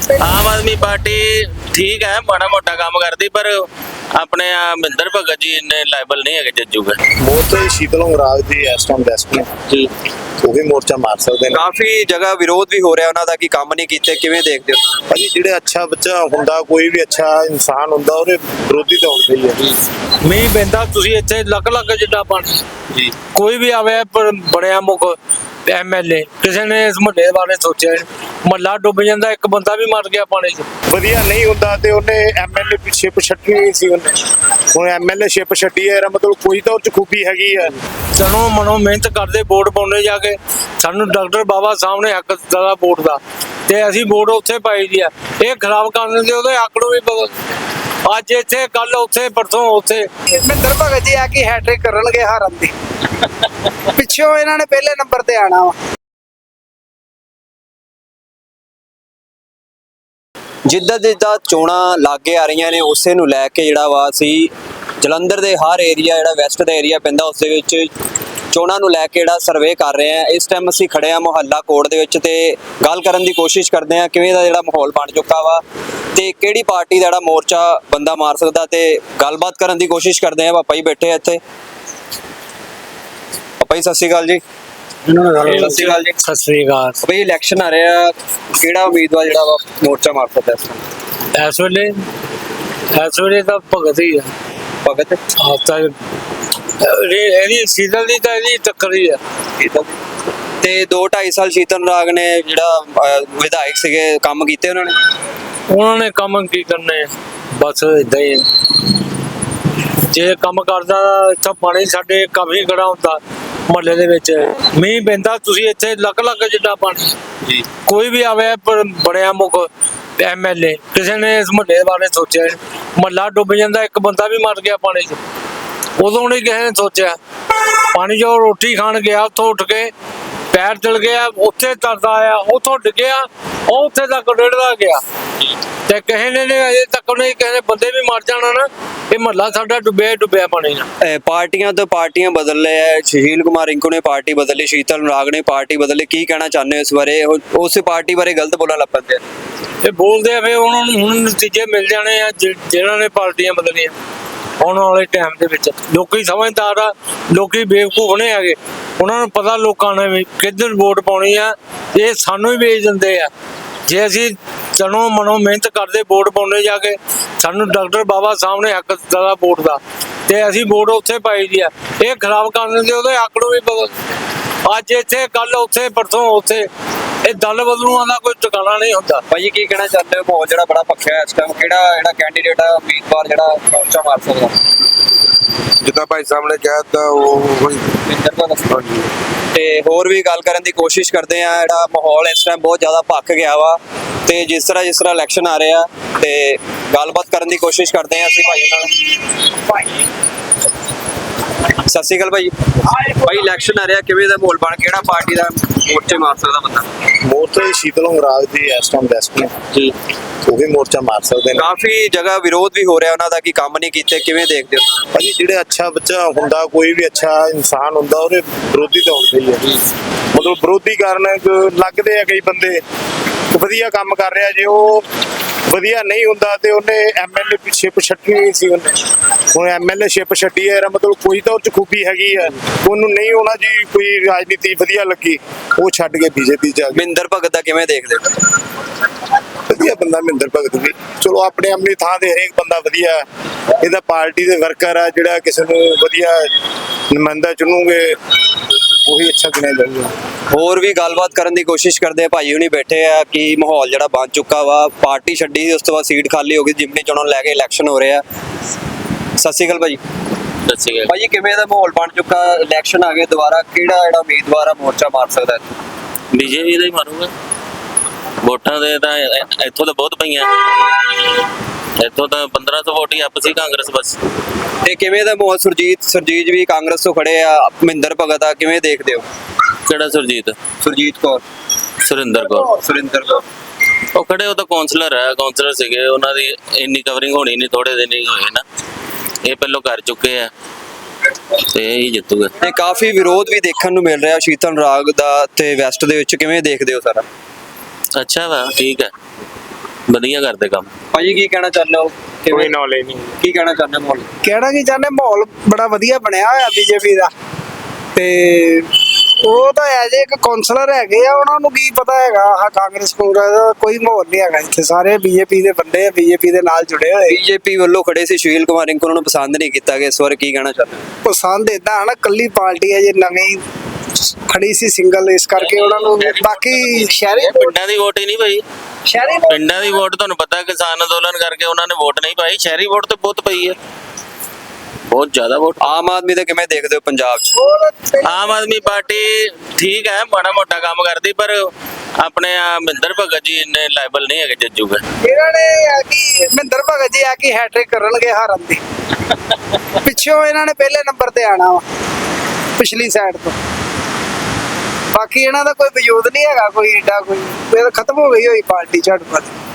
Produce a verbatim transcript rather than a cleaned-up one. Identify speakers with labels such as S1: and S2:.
S1: आम आदमी पार्टी ठीक है, माड़ा मोटा काम करती, पर अपने मਹਿੰਦਰ ਭਗਤ जी इन्ने लायबल नहीं है जज्जूगा।
S2: मोर्चा शीतल अंगराज ਦੀ ਇਸ ਟਾਈਮ ਬੈਸਟ ਨੇ
S1: जी
S2: ਉਹ ਵੀ ਮੋਰਚਾ ਮਾਰ ਸਕਦੇ ਨੇ।
S3: ਕਾਫੀ ਜਗ੍ਹਾ ਵਿਰੋਧ ਵੀ ਹੋ ਰਿਹਾ ਉਹਨਾਂ ਦਾ ਕਿ ਕੰਮ ਨਹੀਂ ਕੀਤੇ, ਕਿਵੇਂ ਦੇਖਦੇ ਹੋ?
S2: ਭਾਜੀ ਜਿਹੜੇ ਅੱਛਾ ਬੱਚਾ ਹੁੰਦਾ, ਕੋਈ ਵੀ ਅੱਛਾ ਇਨਸਾਨ ਹੁੰਦਾ, ਉਹਦੇ ਵਿਰੋਧੀ ਤਾਂ ਹੁੰਦੇ ਹੀ ਹੈ।
S4: ਮੀਂਹ ਪੈਂਦਾ ਤੁਸੀਂ ਇੱਥੇ ਲੱਖ ਲੱਖ ਜਿੱਡਾ ਪਾਣੀ
S1: जी
S4: ਕੋਈ ਵੀ ਆਵੇ ਪਰ ਬਣਿਆ ਮੁੱਖ ਐਮਐਲਏ ਕਿਸੇ ਨੇ ਇਸ ਮੁਹੱਲੇ ਬਾਰੇ ਸੋਚਿਆ ਮੁਹੱਲਾ ਡੁੱਬ ਜਾਂਦਾ, ਇੱਕ ਬੰਦਾ ਵੀ ਮਰ ਗਿਆ ਪਾਣੀ 'ਚ।
S2: ਵਧੀਆ ਨਹੀਂ ਹੁੰਦਾ ਤੇ ਉਹਨੇ ਐਮਐਲਏ ਪਿੱਛੇ ਛੱਡਣੀ ਨਹੀਂ ਸੀ ਉਹਨੇ। ਹੁਣ ਐਮਐਲਏ ਸ਼ਿਪ ਛੱਡੀ ਹੈ, ਇਹਦਾ ਮਤਲਬ ਕੋਈ ਤਾਂ ਉਹ 'ਚ ਖੂਬੀ ਹੈਗੀ ਹੈ।
S4: ਚਲੋ ਮਨੋਂ ਮਿਹਨਤ ਕਰਦੇ ਵੋਟ ਪਾਉਣੇ ਜਾ ਕੇ, ਸਾਨੂੰ ਡਾਕਟਰ ਬਾਬਾ ਸਾਹਮਣੇ ਹੱਕ ਦਾ ਵੋਟ ਦਾ, ਤੇ ਅਸੀਂ ਵੋਟ ਉੱਥੇ ਪਾਈ ਦੀ ਆ। ਇਹ ਖਰਾਬ ਕਰ ਦਿੰਦੇ, ਉਹਦੇ ਹੱਕ ਨੂੰ ਵੀ ਬਦਲ, ਅੱਜ ਇੱਥੇ ਕੱਲ ਉੱਥੇ ਪਰਸੋਂ ਉੱਥੇ।
S5: ਮਹਿੰਦਰ ਭਗਤ ਜੀ ਆ ਕੇ ਹੈਟ੍ਰਿਕ ਕਰਨਗੇ ਹਾਰਨ ਦੀ, ਪਿੱਛੋਂ ਇਹਨਾਂ ਨੇ ਪਹਿਲੇ ਨੰਬਰ ਤੇ ਆਣਾ ਵਾ।
S3: ਜਿੱਦਾਂ ਜਿੱਦਾਂ ਚੋਣਾਂ ਲਾਗੇ ਆ ਰਹੀਆਂ ਨੇ ਉਸੇ ਨੂੰ ਲੈ ਕੇ ਜਿਹੜਾ ਵਾ ਅਸੀਂ ਜਲੰਧਰ ਦੇ ਹਰ ਏਰੀਆ ਜਿਹੜਾ ਵੈਸਟ ਦਾ ਏਰੀਆ ਪੈਂਦਾ ਉਸ ਦੇ ਵਿੱਚ ਚੋਣਾਂ ਨੂੰ ਲੈ ਕੇ ਜਿਹੜਾ ਸਰਵੇ ਕਰ ਰਹੇ ਆ। ਇਸ ਟਾਈਮ ਅਸੀਂ ਖੜੇ ਆ ਮੁਹੱਲਾ ਕੋਟ ਦੇ ਵਿੱਚ ਤੇ ਗੱਲ ਕਰਨ ਦੀ ਕੋਸ਼ਿਸ਼ ਕਰਦੇ ਆ ਕਿਵੇਂ ਦਾ ਜਿਹੜਾ ਮਾਹੌਲ ਬਣ ਚੁੱਕਾ ਵਾ ਤੇ ਕਿਹੜੀ ਪਾਰਟੀ ਦਾ ਜਿਹੜਾ ਮੋਰਚਾ ਬੰਦਾ ਮਾਰ ਸਕਦਾ, ਤੇ ਗੱਲਬਾਤ ਕਰਨ ਦੀ ਕੋਸ਼ਿਸ਼ ਕਰਦੇ ਆ। ਪਾਪਾ ਜੀ ਬੈਠੇ ਆ ਇੱਥੇ। ਪਾਪਾ ਜੀ ਸਤਿ ਸ਼੍ਰੀ ਅਕਾਲ ਜੀ। ਸਤਿ ਸ਼੍ਰੀ ਅਕਾਲ ਜੀ।
S4: ਸਤਿ ਸ੍ਰੀ ਅਕਾਲ।
S3: ਬਈ ਇਲੈਕਸ਼ਨ ਆ ਰਿਹਾ, ਕਿਹੜਾ ਉਮੀਦਵਾਰ ਜਿਹੜਾ ਵਾ ਮੋਰਚਾ ਮਾਰ ਸਕਦਾ ਇਸ ਟਾਈਮ?
S4: ਇਸ ਵੇਲੇ ਇਸ ਵੇਲੇ ਤਾਂ ਭਗਤ ਹੀ ਆ।
S3: ਭਗਤ
S4: ਆਹ ਤਾਂ ਇਹਦੀ ਸੀਜ਼ਨ ਦੀ ਤਾਂ ਇਹਦੀ ਟੱਕਰ ਹੀ ਆ।
S3: ਤੇ ਦੋ ਢਾਈ ਸਾਲ ਸ਼ੀਤਲ ਰਾਗ ਨੇ ਜਿਹੜਾ ਅਹ, ਵਿਧਾਇਕ ਸੀਗੇ, ਕੰਮ ਕੀਤੇ ਉਹਨਾਂ ਨੇ?
S4: ਉਹਨਾਂ ਨੇ ਕੰਮ ਕੀ ਕਰਨੇ, ਬਸ ਇਦਾਂ ਹੀ ਜੇ ਕੰਮ ਕਰਦਾ ਇੱਥੇ ਪਾਣੀ ਸਾਡੇ ਕਾਫੀ ਖੜਾ ਹੁੰਦਾ ਮੁਹੱਲੇ ਦੇ ਵਿੱਚ। ਮੀਂਹ ਪੈਂਦਾ ਤੁਸੀਂ ਇੱਥੇ ਲੱਖ ਲੱਖ ਜਿੱਡਾ ਪਾਣੀ
S1: जी
S4: ਕੋਈ ਵੀ ਆਵੇ ਪਰ ਬਣਿਆ ਮੁੱਖ ਐਮਐਲਏ ਕਿਸੇ ਨੇ ਇਸ ਮੁਹੱਲੇ ਬਾਰੇ ਸੋਚਿਆ ਮੁਹੱਲਾ ਡੁੱਬ ਜਾਂਦਾ, ਇੱਕ ਬੰਦਾ ਵੀ ਮਰ ਗਿਆ ਪਾਣੀ 'ਚ। ਉਦੋਂ ਨਹੀਂ ਕਿਸੇ ਨੇ ਸੋਚਿਆ। ਪਾਣੀ 'ਚੋਂ ਰੋਟੀ ਖਾਣ ਗਿਆ, ਉੱਥੋਂ ਉੱਠ ਕੇ ਪੈਰ ਚਲ ਗਿਆ, ਉੱਥੇ ਤਰਦਾ ਆਇਆ, ਉੱਥੋਂ ਡਿੱਗਿਆ, ਉਹ ਉੱਥੇ ਤੱਕ ਡੇੜਦਾ ਗਿਆ ਤੇ ਕਿਸੇ ਨੇ ਅਜੇ ਤੱਕ ਨਹੀਂ, ਕਿਸੇ ਨੇ ਬੰਦੇ ਵੀ ਮਰ ਜਾਣਾ ਨਾ। ਇਹ ਮੁਹੱਲਾ ਸਾਡਾ ਡੁੱਬਿਆ ਡੁੱਬਿਆ ਪਾਣੀ ਨਾਲ।
S3: ਅਹ, ਪਾਰਟੀਆਂ ਤੋਂ ਪਾਰਟੀਆਂ ਬਦਲ ਰਹੇ ਆ। ਸੁਸ਼ੀਲ ਕੁਮਾਰ ਰਿੰਕੂ ਨੇ ਪਾਰਟੀ ਬਦਲੀ, ਸ਼ੀਤਲ ਰਾਗ ਨੇ ਪਾਰਟੀ ਬਦਲੀ। ਕੀ ਕਹਿਣਾ ਚਾਹੁੰਦੇ ਹੋ ਇਸ ਬਾਰੇ? ਉਹ- ਉਸ ਪਾਰਟੀ ਬਾਰੇ ਗਲਤ ਬੋਲਣ ਲੱਗ ਪੈਂਦੇ ਆ।
S4: ਇਹ ਬੋਲਦੇ ਆ ਫਿਰ ਉਹਨਾਂ ਨੂੰ ਹੁਣ ਨਤੀਜੇ ਮਿਲ ਜਾਣੇ ਆ ਜਿ- ਜਿਹਨਾਂ ਨੇ ਪਾਰਟੀਆਂ ਬਦਲੀਆਂ। ਆਉਣ ਵਾਲੇ ਟਾਈਮ ਦੇ ਵਿੱਚ ਲੋਕੀ ਸਮਝਦਾਰ ਆ, ਲੋਕੀ ਬੇਵਕੂਫ ਨਹੀਂ ਹੈਗੇ। ਉਹਨਾਂ ਨੂੰ ਪਤਾ ਲੋਕਾਂ ਨੇ ਵੀ ਕਿੱਧਰ ਵੋਟ ਪਾਉਣੀ ਆ। ਇਹ ਸਾਨੂੰ ਹੀ ਵੇਚ ਦਿੰਦੇ ਆ। ਜੇ ਅਸੀਂ ਚਲੋ ਮਨੋਂ ਮਿਹਨਤ ਕਰਦੇ ਵੋਟ ਪਾਉਣੇ ਜਾ ਕੇ, ਸਾਨੂੰ ਡਾਕਟਰ ਬਾਬਾ ਸਾਹਮਣੇ ਹੱਕ ਦਾ ਵੋਟ ਦਾ, ਤੇ ਅਸੀਂ ਵੋਟ ਉੱਥੇ ਪਾਈ ਦੀ ਆ। ਇਹ ਖਰਾਬ ਕਰ ਦਿੰਦੇ, ਉਹਦੇ ਹੱਕ ਨੂੰ ਵੀ ਬਦਲ, ਅੱਜ ਇੱਥੇ ਕੱਲ ਉੱਥੇ ਪਰਸੋਂ ਉੱਥੇ। ਇਹ ਦਲ ਬਦਲੂਆਂ ਦਾ ਕੋਈ ਟਿਕਾਣਾ ਨਹੀਂ ਹੁੰਦਾ।
S3: ਭਾਈ ਕੀ ਕਹਿਣਾ ਚਾਹੁੰਦੇ ਹੋ? ਮਾਹੌਲ ਜਿਹੜਾ ਬੜਾ ਪੱਖਾ ਹੈ ਇਸ ਟਾਈਮ, ਕਿਹੜਾ ਜਿਹੜਾ ਕੈਂਡੀਡੇਟ ਆ ਉਮੀਦਵਾਰ ਜਿਹੜਾ ਮੋਰਚਾ ਮਾਰ ਸਕਦਾ?
S6: ਜਿੱਦਾਂ ਭਾਈ ਸਾਹਮਣੇ ਕਹਿ ਤਾ ਉਹ
S3: ਮਹਿੰਦਰ ਭਗਤ। ਤੇ ਹੋਰ ਵੀ ਗੱਲ ਕਰਨ ਦੀ ਕੋਸ਼ਿਸ਼ ਕਰਦੇ ਆ। ਜਿਹੜਾ ਮਾਹੌਲ ਇਸ ਟਾਈਮ ਬਹੁਤ ਜ਼ਿਆਦਾ ਭੱਖ ਗਿਆ ਵਾ ਤੇ ਜਿਸ ਤਰ੍ਹਾਂ ਜਿਸ ਤਰ੍ਹਾਂ ਇਲੈਕਸ਼ਨ ਆ ਰਹੇ ਆ ਤੇ ਗੱਲਬਾਤ ਕਰਨ ਦੀ ਕੋਸ਼ਿਸ਼ ਕਰਦੇ ਆ ਅਸੀਂ ਭਾਈ ਨਾਲ। ਸਤਿ ਸ਼੍ਰੀ ਅਕਾਲ ਭਾਈ। ਭਾਈ ਇਲੈਕਸ਼ਨ ਆ ਰਿਹਾ, ਕਿਵੇਂ ਦਾ ਮਾਹੌਲ ਬਣ, ਕਿਹੜਾ ਪਾਰਟੀ ਦਾ ਮੋਰਚੇ ਮਾਰ ਸਕਦਾ ਬੰਦਾ?
S2: ਮੋਰਚਾ शीतल अंगराज ਦੀ ਇਸ ਟਾਈਮ ਬੈਸਟ ਨੇ
S3: ਜੀ
S2: ਉਹ ਵੀ ਮੋਰਚਾ ਮਾਰ ਸਕਦੇ ਨੇ।
S3: ਕਾਫੀ ਜਗ੍ਹਾ ਵਿਰੋਧ ਵੀ ਹੋ ਰਿਹਾ ਉਹਨਾਂ ਦਾ ਕਿ ਕੰਮ ਨਹੀਂ ਕੀਤੇ, ਕਿਵੇਂ ਦੇਖਦੇ ਹੋ?
S2: ਭਾਜੀ ਜਿਹੜੇ ਅੱਛਾ ਬੱਚਾ ਹੁੰਦਾ, ਕੋਈ ਵੀ ਅੱਛਾ ਇਨਸਾਨ ਹੁੰਦਾ, ਉਹਦੇ ਵਿਰੋਧੀ ਤਾਂ ਹੁੰਦੇ ਹੀ ਹੈ। ਮਤਲਬ ਵਿਰੋਧੀ ਕਾਰਨ ਲੱਗਦੇ ਆ ਕਈ ਬੰਦੇ ਵਧੀਆ ਕੰਮ ਕਰ ਰਿਹਾ, ਜੇ ਉਹ ਵਧੀਆ ਨਹੀਂ ਹੁੰਦਾ ਤੇ ਉਹਨੇ ਐਮਐਲਏ ਪਿੱਛੇ ਛੱਡਣੀ ਨਹੀਂ ਸੀ ਉਹਨੇ। ਹੁਣ ਐਮਐਲਏ ਸ਼ਿਪ ਛੱਡੀ ਹੈ, ਇਹਦਾ ਮਤਲਬ ਕੋਈ ਤਾਂ ਉਹ 'ਚ ਖੂਬੀ ਹੈਗੀ ਹੈ। ਉਹਨੂੰ ਨਹੀਂ ਹੋਣਾ ਜੀ ਕੋਈ ਰਾਜਨੀਤੀ ਵਧੀਆ ਲੱਗੀ, ਉਹ ਛੱਡ ਕੇ ਬੀਜੇਪੀ 'ਚ ਆ ਗਿਆ।
S3: ਮਹਿੰਦਰ ਭਗਤ ਦਾ ਕਿਵੇਂ ਦੇਖਦੇ ਹੋ?
S2: ਵਧੀਆ ਬੰਦਾ ਮਹਿੰਦਰ ਭਗਤ ਵੀ, ਚਲੋ ਆਪਣੇ ਆਪਣੀ ਥਾਂ ਤੇ ਹਰੇਕ ਬੰਦਾ ਵਧੀਆ। ਇਹਦਾ ਪਾਰਟੀ ਦੇ ਵਰਕਰ ਆ, ਜਿਹੜਾ ਕਿਸੇ ਨੂੰ ਵਧੀਆ ਨੁਮਾਇੰਦਾ ਚੁਣੂਗੇ ਉਹੀ ਅੱਛਾ ਗਿਣਿਆ ਜਾਊਗਾ।
S3: ਹੋਰ ਵੀ ਗੱਲਬਾਤ ਕਰਨ ਦੀ ਕੋਸ਼ਿਸ਼ ਕਰਦੇ ਆ। ਭਾਈ ਹੁਣੀ ਬੈਠੇ ਆ ਕਿ ਮਾਹੌਲ ਜਿਹੜਾ ਬਣ ਚੁੱਕਾ ਵਾ, ਪਾਰਟੀ ਛੱਡੀ ਉਸ ਤੋਂ ਬਾਅਦ ਸੀਟ ਖਾਲੀ ਹੋ ਗਈ, ਜਿਮਨੀ ਚੋਣਾਂ ਨੂੰ ਲੈ ਕੇ ਇਲੈਕਸ਼ਨ ਹੋ ਰਿਹਾ। ਸਤਿ ਸ਼੍ਰੀ ਅਕਾਲ ਭਾਈ।
S1: सत श्री अकाल।
S3: ਭਾਈ ਕਿਵੇਂ ਦਾ ਮਾਹੌਲ ਬਣ ਚੁੱਕਾ? ਇਲੈਕਸ਼ਨ ਆ ਗਏ ਦੁਬਾਰਾ, ਕਿਹੜਾ ਜਿਹੜਾ ਉਮੀਦਵਾਰ ਆ ਮੋਰਚਾ ਮਾਰ ਸਕਦਾ?
S1: बीजेपी ਦਾ ਹੀ ਮਾਰੂਗਾ। ਵੋਟਾਂ ਦੇ ਤਾਂ ਇੱਥੋਂ ਤਾਂ ਬਹੁਤ ਪਈਆਂ, ਇੱਥੋਂ ਤਾਂ ਪੰਦਰਾਂ ਸੌ ਵੋਟ ਹੀ ਅੱਪ ਸੀ ਕਾਂਗਰਸ ਬਸ।
S3: ਤੇ ਕਿਵੇਂ ਦਾ ਮਾਹੌਲ? ਸੁਰਜੀਤ ਸੁਰਜੀਤ ਵੀ ਕਾਂਗਰਸ ਤੋਂ ਖੜੇ ਆ, ਮਹਿੰਦਰ ਭਗਤ ਆ, ਕਿਵੇਂ ਦੇਖਦੇ ਹੋ?
S1: ਕਿਹੜਾ ਸੁਰਜੀਤ?
S3: ਸੁਰਜੀਤ ਕੌਰ,
S1: ਸੁਰਿੰਦਰ ਕੌਰ।
S3: ਸੁਰਿੰਦਰ ਕੌਰ
S1: ਉਹ ਖੜੇ, ਉਹ ਤਾਂ ਕਾਉਂਸਲਰ ਹੈ, ਕਾਉਂਸਲਰ ਸੀਗੇ, ਉਹਨਾਂ ਦੀ ਇੰਨੀ ਕਵਰਿੰਗ ਹੋਣੀ ਨਹੀਂ, ਥੋੜੇ ਦਿਨ ਹੀ ਹੋਏ ਨਾ। ਇਹ ਪਹਿਲੋਂ ਕਰ ਚੁੱਕੇ ਆ ਤੇ ਇਹ ਜਿੱਤੂਗਾ।
S3: ਤੇ ਕਾਫੀ ਵਿਰੋਧ ਵੀ ਦੇਖਣ ਨੂੰ ਮਿਲ ਰਿਹਾ ਸ਼ੀਤਲ ਰਾਗ ਦਾ ਤੇ ਵੈਸਟ ਦੇ ਵਿੱਚ, ਕਿਵੇਂ ਦੇਖਦੇ ਹੋ ਸਾਰਾ?
S1: ਅੱਛਾ ਵਾ, ਠੀਕ ਹੈ। ਵਧੀਆ ਕਰਦੇ ਕੰਮ।
S3: ਭਾਜੀ ਕੀ ਕਹਿਣਾ ਚਾਹੁੰਦੇ ਹੋ
S2: ਕੋਈ
S3: ਕਿਵੇਂ
S2: ਨੌਲੇਜ ਨਹੀਂ।
S3: ਕੀ ਕਹਿਣਾ ਚਾਹੁੰਦੇ ਹੋ ਮਾਹੌਲ?
S5: ਕਹਿਣਾ ਕੀ ਚਾਹੁੰਦੇ, ਮਾਹੌਲ ਬੜਾ ਵਧੀਆ ਬਣਿਆ ਹੋਇਆ ਬੀਜੇਪੀ ਦਾ। ਤੇ ਉਹ ਤਾਂ ਐਜ ਇੱਕ ਕਾਉਂਸਲਰ ਹੈਗੇ ਆ, ਉਹਨਾਂ ਨੂੰ ਕੀ ਪਤਾ ਹੈਗਾ ਆਹ ਕਾਂਗਰਸ ਕਾਂਗਰਸ ਦਾ ਕੋਈ ਮਾਹੌਲ ਨਹੀਂ ਹੈਗਾ ਇੱਥੇ। ਸਾਰੇ ਬੀਜੇਪੀ ਦੇ ਬੰਦੇ ਆ, ਬੀਜੇਪੀ ਦੇ ਨਾਲ ਜੁੜੇ ਹੋਏ।
S3: ਬੀਜੇਪੀ ਵੱਲੋਂ ਖੜੇ ਸੀ ਸੁਸ਼ੀਲ ਕੁਮਾਰ ਰਿੰਕੂ, ਉਹਨਾਂ ਨੂੰ ਪਸੰਦ ਨਹੀਂ ਕੀਤਾ ਗਿਆ ਇਸ ਵਾਰ, ਕੀ ਕਹਿਣਾ ਚਾਹੁੰਦੇ ਹੋ?
S5: ਪਸੰਦ ਏਦਾਂ ਹਨਾ, ਕੱਲੀ ਪਾਰਟੀ ਹੈ ਜੇ ਨਵੀਂ ਖੜੀ ਸੀ ਸਿੰਗਲ, ਇਸ ਕਰਕੇ ਉਹਨਾਂ ਨੂੰ। ਬਾਕੀ ਸ਼ਹਿਰੀ
S1: ਪਿੰਡਾਂ ਦੀ ਵੋਟ ਹੀ ਨਹੀਂ ਪਈ।
S5: ਸ਼ਹਿਰੀ
S1: ਪਿੰਡਾਂ ਦੀ ਵੋਟ ਤੁਹਾਨੂੰ ਪਤਾ ਕਿਸਾਨ ਅੰਦੋਲਨ ਕਰਕੇ ਉਹਨਾਂ ਨੇ ਵੋਟ ਨਹੀਂ ਪਾਈ। ਸ਼ਹਿਰੀ ਵੋਟ ਤੇ ਬਹੁਤ ਪਈ ਹੈ, ਬਹੁਤ ਜ਼ਿਆਦਾ ਵੋਟ।
S3: ਆਮ ਆਦਮੀ ਦਾ ਕਿਵੇਂ ਦੇਖਦੇ ਹੋ ਪੰਜਾਬ 'ਚ?
S5: ਵੋਟ
S1: ਆਮ ਆਦਮੀ ਪਾਰਟੀ ਠੀਕ ਹੈ, ਮਾੜਾ ਮੋਟਾ ਕੰਮ ਕਰਦੀ, ਪਰ ਆਪਣੇ ਆ ਮਹਿੰਦਰ ਭਗਤ ਜੀ ਇੰਨੇ ਲਾਇਬਲ ਨਹੀਂ ਹੈਗੇ ਜੱਜੂਗੇ।
S5: ਇਹਨਾਂ ਨੇ ਆ ਕਿ ਮਹਿੰਦਰ ਭਗਤ ਜੀ ਆ ਕਿ ਹੈਟ੍ਰਿਕ ਕਰਨਗੇ ਹਾਰਨ ਦੀ। ਪਿੱਛੋਂ ਇਹਨਾਂ ਨੇ ਪਹਿਲੇ ਨੰਬਰ ਤੇ ਆਣਾ ਵਾ ਪਿਛਲੀ ਸਾਈਡ ਤੋਂ। ਬਾਕੀ ਇਹਨਾਂ ਦਾ ਕੋਈ ਵਜੂਦ ਨਹੀਂ ਹੈਗਾ ਕੋਈ ਏਡਾ, ਕੋਈ ਇਹ ਤਾਂ ਖਤਮ ਹੋ ਗਈ ਹੋਈ ਪਾਰਟੀ ਝਟਪਟ।